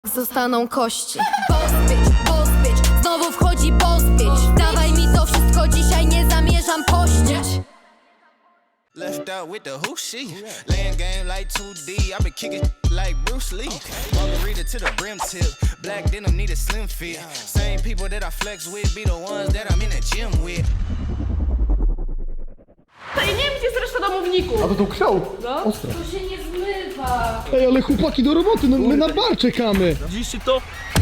Zostaną kości. Boss bitch, znowu wchodzi boss bitch. Dawaj mi to wszystko, dzisiaj nie zamierzam pościć. Left out with the who she laying game like 2D. I been kicking like Bruce Lee. Margarita to the brim tip. Black denim need a slim fit. Same people that I flex with be the ones that I'm in the gym with. Ja nie wiem, gdzie jest reszta domowników. A to tą ksiął? No. Ostre. To się nie zmywa. Ej, ale chłopaki do roboty, no my na bar czekamy. Widzieliście to?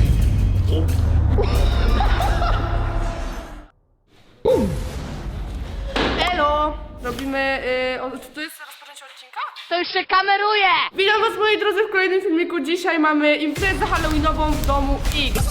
Elo! Robimy... czy to jest rozpoczęcie odcinka? To już się kameruje! Witam was, moi drodzy, w kolejnym filmiku. Dzisiaj mamy imprezę halloweenową w domu X.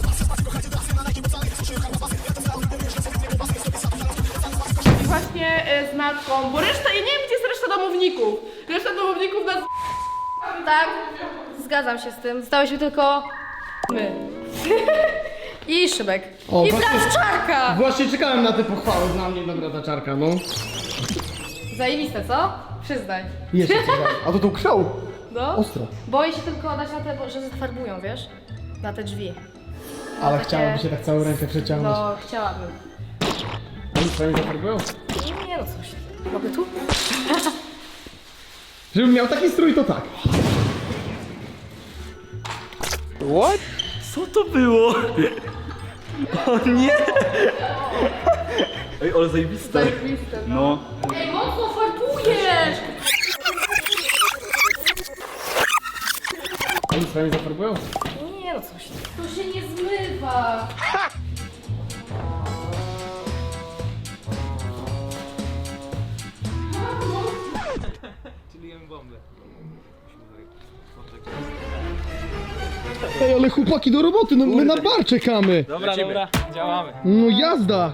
I właśnie z matką, bo reszta... Ja nie wiem, gdzie jest reszta domowników. Reszta domowników nas... Tak, zgadzam się z tym. Zostałyśmy tylko my. i Szybek. O, I właśnie- Blaszczarka! Właśnie czekałem na te pochwały, dla mnie dobra ta czarka, no. Zajebiste, co? Przyznaj. Jeszcze coś. A to tą ksiął? No. Ostro. Boję się tylko dać na te, że zafarbują, wiesz? Na te drzwi. Ale Takie- chciałaby się tak całą rękę przeciągnąć. No, chciałabym. Oni swoimi zafarbują? Nie no, coś. Mogę tu? Żebym miał taki strój, to tak. What? Co to było? O nie! Ej, ale zajebiste. Zajebiste, No. Ej, mocno farbujesz! Oni swoimi zafarbują? Nie no, coś. To się nie zmywa. Ej, ale chłopaki do roboty, no my na bar czekamy. Dobra, dobra, działamy. No jazda.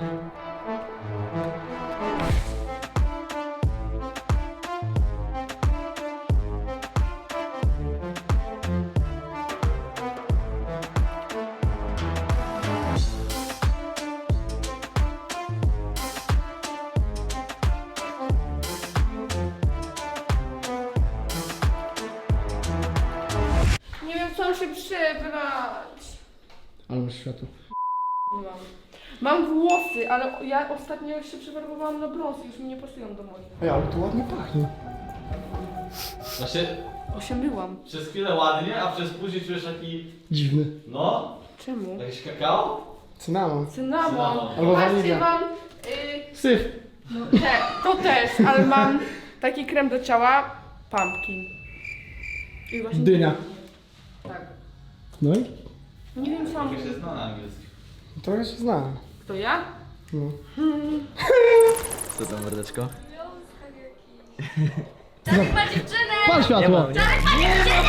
Nie wiem, co się przebrać. Ale masz światło. Mam włosy, ale ja ostatnio się przefarbowałam na brąz i już mi nie pasują do moich. Ej, ale tu ładnie pachnie. Właśnie Osiemyłam. przez chwilę ładnie, a przez później czujesz taki, Dziwny. no, Czemu? jakiś kakao? Cynamon. Cynamon. Albo Patrzcie, wanilia. mam... Syf. to też, ale mam taki krem do ciała. Pumpkin. I właśnie... Dynia. Tak. No i? Nie wiem, co mam... Jak się zna na angielski. Trochę się znałem. Kto ja? No. Co tam, mordeczko? Czarek ma dziewczynę! Pal światło. Czarek ma dziewczynę!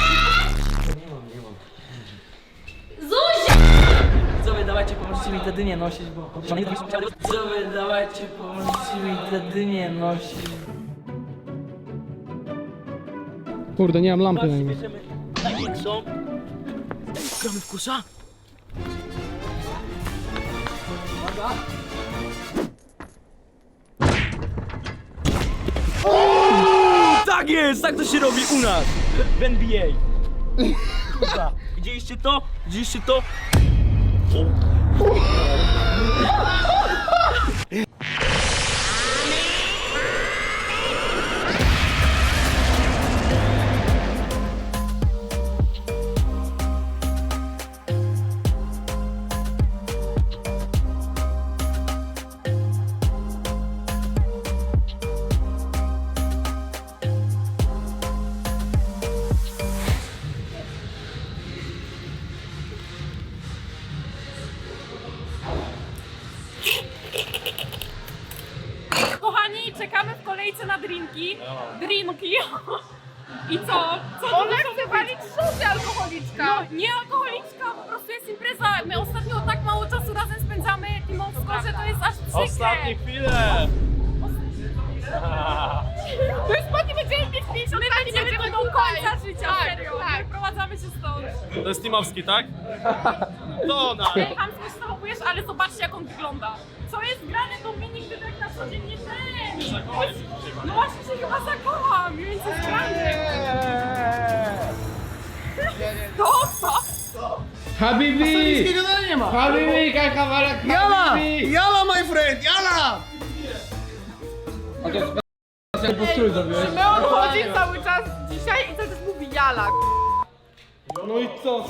Zuzia! Widzowie, dawajcie, pomożecie mi te dynie nosić, bo... Widzowie, dawajcie, pomożecie mi te dynie nosić. Kurde, nie mam lampy na nim. Bierzemy największą. Gramy w kusza? Tak jest, tak to się robi u nas, w NBA. Kurwa, widzieliście to? Widzieliście to? Kochani, czekamy w kolejce na drinki. Drinki. I co? Co ona chce walić szósty alkoholiczka. No, nie alkoholiczka, po prostu jest impreza. My ostatnio tak mało czasu razem spędzamy teamowsko, że to jest aż przykre. Ostatnie chwile. My już po nim będziemy mieć 50 lat i będziemy do końca życia, serio. Tak. Wyprowadzamy się stąd. To jest Timowski, tak? To ona. Ej, chamsko się zachowujesz, ale zobaczcie, jak on wygląda. Co jest grane, Dominik, ty tak na co dzień nie ten. No właśnie się chyba zakocham, więc jest grane. Dobra. Habibi! dalej nie ma. Habibi, kawałek Jala! Habibi! Jala, my friend, jala! Postrój zrobiłeś. My on chodzi cały czas dzisiaj i cały czas mówi jala. No i co?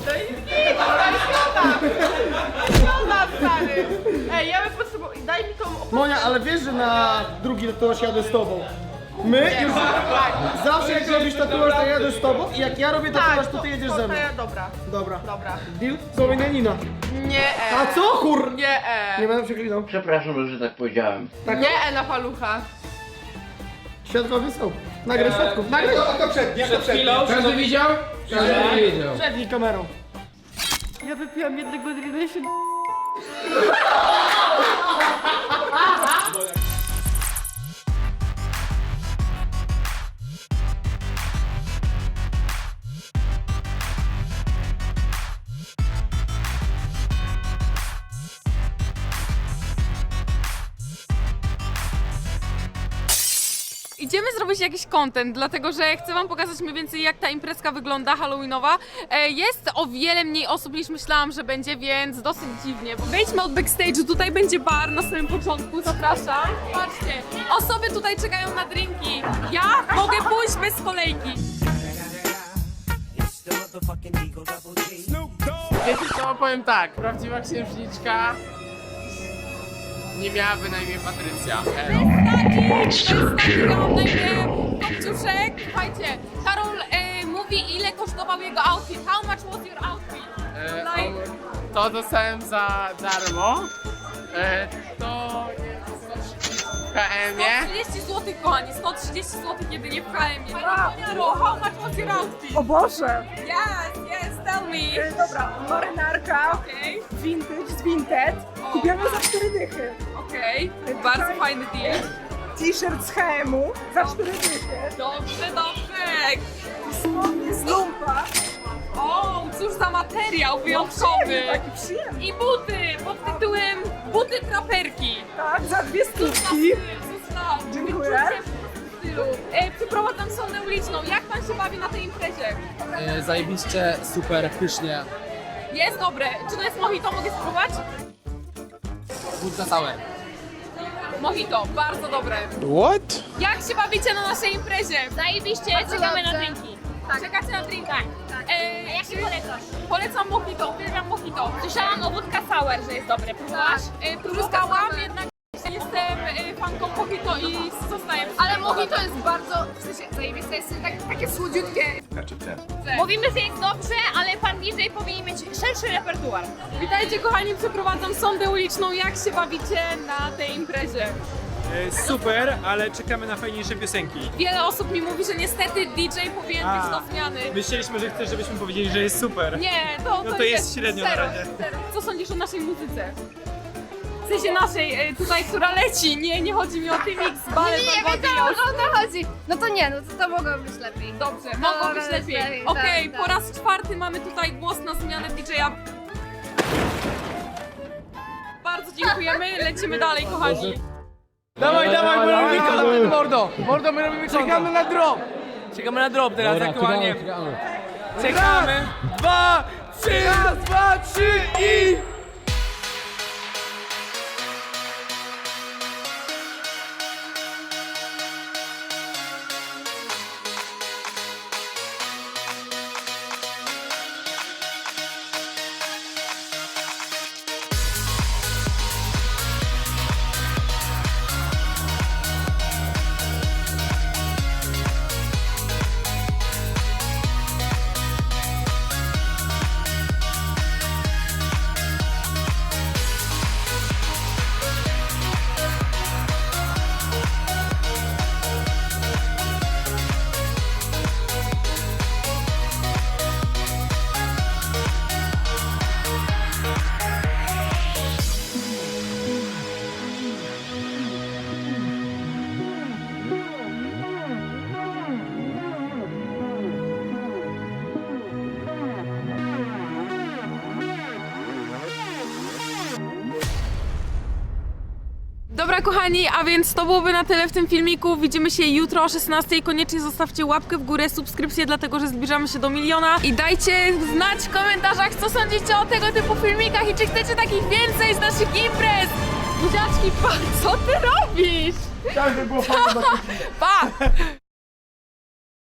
Szkoda, stary. Ej, ja bym potrzebował... Daj mi tą opaskę. Monia, ale wiesz, że na drugi tatuaż jadę z tobą. My już zawsze jak robisz tatuaż, to jadę z tobą i jak ja robię tatuaż, to ty jedziesz ze mną. Dobra, Dobra. dobra. Deal? Słowianina. Nie A co kur... Nie Nie będę przeklinał. Przepraszam, że tak powiedziałem. Nie na palucha. Świadkowie są. Nagraj świadków, nagraj. To przed. Każdy widział? Każdy widział. Przed kamerą. Ja wypiłam jednego drina i się... Idziemy zrobić jakiś content, dlatego że chcę wam pokazać mniej więcej jak ta imprezka wygląda halloweenowa. Jest o wiele mniej osób niż myślałam, że będzie, więc dosyć dziwnie. Wejdźmy od backstage'u, tutaj będzie bar na samym początku, zapraszam. Patrzcie, osoby tutaj czekają na drinki. Ja mogę pójść bez kolejki. Wiecie co, powiem tak, prawdziwa księżniczka nie miałaby na imię Patrycja. Ja mam na imię Kopciuszek. Słuchajcie, Karol mówi ile kosztował jego outfit. How much was your outfit? Like... To dostałem za darmo. To jest w KM-ie. 130 zł, kochani, 130 zł jedynie w KM-ie. How much was your outfit? O Boże! Yes, tell me. Dobra, marynarka, Okej, vintage z Vinted, kupiona za 4 dychy. okej, bardzo fajny deal. T-shirt z H&M-u za 4 dychy. Dobrze, dobrze. Spodnie z lumpa. O, cóż za materiał wyjątkowy. Taki przyjemny. I buty pod tytułem Buty traperki. Tak, za 2 stówki. Dziękuję. Przyprowadzam sondę uliczną. Jak pan się bawi na tej imprezie? Zajebiście, super, pysznie. Jest dobre. Czy to jest mojito? Mogę spróbować? Wódka całe. Mojito, bardzo dobre. What? Jak się bawicie na naszej imprezie? Zajebiście, czekamy na drinki. Czekacie na drinki? Tak. A jak się polecasz? Polecam mojito, uwielbiam mojito. Słyszałam o wódka sour, że jest dobre. Próbowałaś? Próbowałam, jednak jestem fanką mojito i zostaję przy Ale tym. mojito jest bardzo, w sensie zajebiste, jest takie słodziutkie. Mówimy, że jest dobrze, ale pan DJ powinien mieć szerszy repertuar. Witajcie kochani, przeprowadzam sondę uliczną. Jak się bawicie na tej imprezie? Super, ale czekamy na fajniejsze piosenki. Wiele osób mi mówi, że niestety DJ powinien być do zmiany. Myśleliśmy, że chcesz, żebyśmy powiedzieli, że jest super. Nie, No to jest średnio na zero, razie. zero. Co sądzisz o naszej muzyce? W sensie naszej, tutaj, która leci. Nie chodzi mi o T-Mix, balet, Nie wiedziałam, o to chodzi. No to nie, no to mogło być lepiej. Dobrze, mogło być lepiej. lepiej, Okej, tak, po tak. raz czwarty mamy tutaj głos na zmianę DJ-a. Bardzo dziękujemy, lecimy dalej, kochani. Dawaj, my robimy content, mordo. Mordo, my robimy content. Czekamy na drop. Czekamy na drop teraz aktualnie. Czekamy. 2, 3, raz, 2, 3 i... Dobra kochani, a więc to byłoby na tyle w tym filmiku. Widzimy się jutro o 16:00. Koniecznie zostawcie łapkę w górę, subskrypcję, dlatego że zbliżamy się do 1 000 000. I dajcie znać w komentarzach, co sądzicie o tego typu filmikach i czy chcecie takich więcej z naszych imprez. Buziaczki, pa, co ty robisz? Tak by było fajnie. Pa!